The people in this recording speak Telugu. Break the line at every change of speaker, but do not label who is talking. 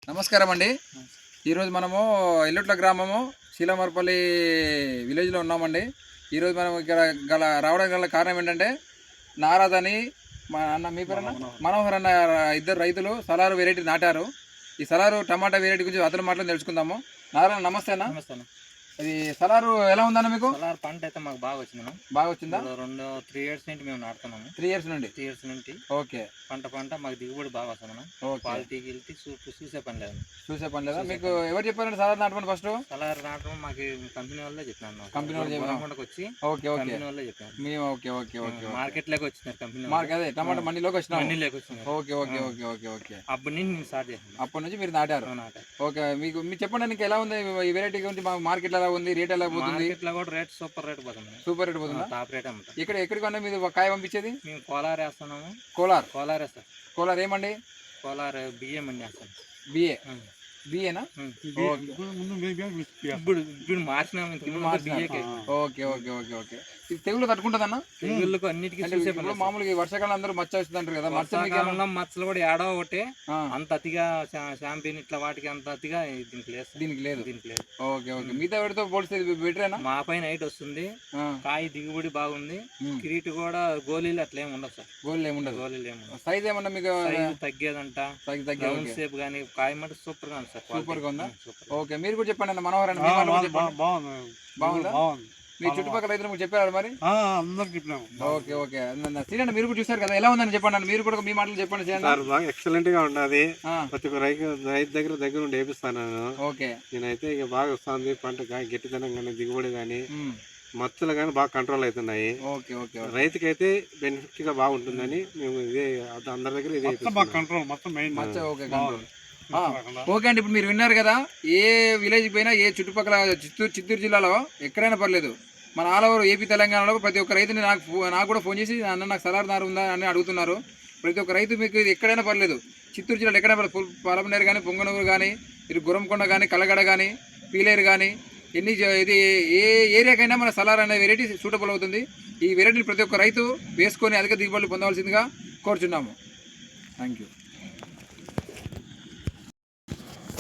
నమస్కారం అండి. ఈరోజు మనము ఎల్లుట్ల గ్రామము శీలమర్పల్లి విలేజ్లో ఉన్నామండి. ఈరోజు మనం ఇక్కడ రావడానికి గల కారణం ఏంటంటే నారాజ్ అని మా అన్న మీ పేరు మనోహర్ అన్న ఇద్దరు రైతులు సలారు వెరైటీ నాటారు. ఈ సలారు టమాటా వెరైటీ గురించి అతని మాటలు తెలుసుకుందాము. నారాయణ నమస్తే అన్న.
నమస్తే అన్న.
ఇది సలారు ఎలా ఉందన్న మీకు?
సలార్ పంట అయితే మాకు బాగా వచ్చింది.
బాగా వచ్చిందా?
3 years నుండి మేము నాటుతున్నాము.
3 years నుండి.
3 years నుండి
ఓకే.
పంట మాకు దిగుబడి బాగా వస్తుంది. క్వాలిటీ గిల్టీ చూసే పని లేదు.
మీకు ఎవరు చెప్పారండి సలార్ నాటమని? ఫస్ట్
సలార్ నాటడం మాకు కంపెనీ వాళ్ళే చెప్పినాను.
కంపెనీ వాళ్ళు
వచ్చి
కంపెనీ
వాళ్ళే చెప్పాను.
మేము ఓకే
మార్కెట్ లోకి వచ్చినారు కంపెనీ.
అదే టమాటా మండీలోకి వచ్చినాం.
ఓకే. అప్పటి నుంచి నేను స్టార్ట్ చేశాను.
అప్పటి నుంచి మీరు నాటారు. ఓకే. మీరు చెప్పండి నీకు ఎలా ఉంది ఈ వెరైటీ గురించి? మార్కెట్ ఎలా ఉంది? రేట్ ఎలా పోతుంది?
ఇట్లా కూడా రేట్ సూపర్ రేట్ పోతుంది. టాప్ రేట్ అమ్ముతాం.
ఇక్కడ ఎక్కడికన్నా మీరు కాయ పంపించేది?
మేము కోలార్ వేస్తున్నాము. కోలార్ వేస్తాం.
కోలార్ ఏమండి?
కోలార్ బియ్యం అండి వేస్తాం.
బియ్యేనా?
ఇప్పుడు మార్చినాము.
ఓకే. ఇది తెగులు తట్టుకుంటుందన్న?
తెగుళ్ళకు అన్నిటికీ
మామూలుగా వర్షాకాలం అందరూ మచ్చ వస్తుంది అంటారు కదా.
మచ్చలు కూడా ఏడో ఒకటి అంత అతిగా షాంపిన్ ఇట్లా వాటికి అంత అతిగా దీనికి లేదు.
ఓకే. మిగతా వాటితో పోలిస్తే బెటరేనా?
మా పైన హైట్ వస్తుంది. కాయ దిగుబడి బాగుంది. కిరీట్ కూడా గోళీలు అట్లా ఏమి ఉండదు సార్.
గోళీలు ఏముండదు. సైజ్ ఏమన్నా మీకు
తగ్గేదంట? రౌండ్ షేప్ కానీ కాయ మాట సూపర్ గా ఉంది సార్.
సూపర్ గా ఉందా? ఓకే. మీరు కూడా చెప్పండి అన్న. మనోహర్ అన్న బాగుందా? మీ చుట్టుపక్కల రైతులు చెప్పారు మరి?
అందరికి చెప్పినాము.
ఓకే. శ్రీనన్న మీరు కూడా చూసారు కదా, ఎలా ఉందని చెప్పండి. మీరు కూడా మీ మాటలు చెప్పండి.
బాగా ఎక్సలెంట్ గా ఉన్నది. ప్రతి ఒక్క రైతు దగ్గర ఉండి వేపిస్తాను నేను.
ఓకే.
నేనైతే ఇక బాగా వస్తుంది. పంట గట్టిదనం కానీ దిగుబడి కానీ మచ్చలు కానీ బాగా కంట్రోల్ అవుతున్నాయి. రైతుకి అయితే బెనిఫిట్ గా బాగుంటుందని మేము ఇదే అందరి దగ్గర ఇదే కంట్రోల్ మొత్తం మెయిన్.
ఓకే అండి. ఇప్పుడు మీరు విన్నారు కదా, ఏ విలేజ్ పోయినా, ఏ చుట్టుపక్కల చిత్తూరు జిల్లాలో ఎక్కడైనా పర్లేదు, మన ఆల్ ఓవర్ ఏపీ తెలంగాణలో ప్రతి ఒక్క రైతుని నాకు కూడా ఫోన్ చేసి అన్న నాకు సలార్ నారు ఉందా అని అడుగుతున్నారు. ప్రతి ఒక్క రైతు మీకు ఇది ఎక్కడైనా పర్లేదు, చిత్తూరు జిల్లాలో ఎక్కడైనా పర్లేదు, పలమనేరు కానీ, పొంగనూరు కానీ, ఇటు గురంకొండ కానీ, కలగడ కానీ, పీలేరు కానీ, ఇది ఏ ఏరియాకైనా మన సలార్ అనే వెరైటీ సూటబుల్ అవుతుంది. ఈ వెరైటీని ప్రతి ఒక్క రైతు వేసుకొని అధిక దిగుబడులు పొందవలసిందిగా కోరుచున్నాము. Thank you.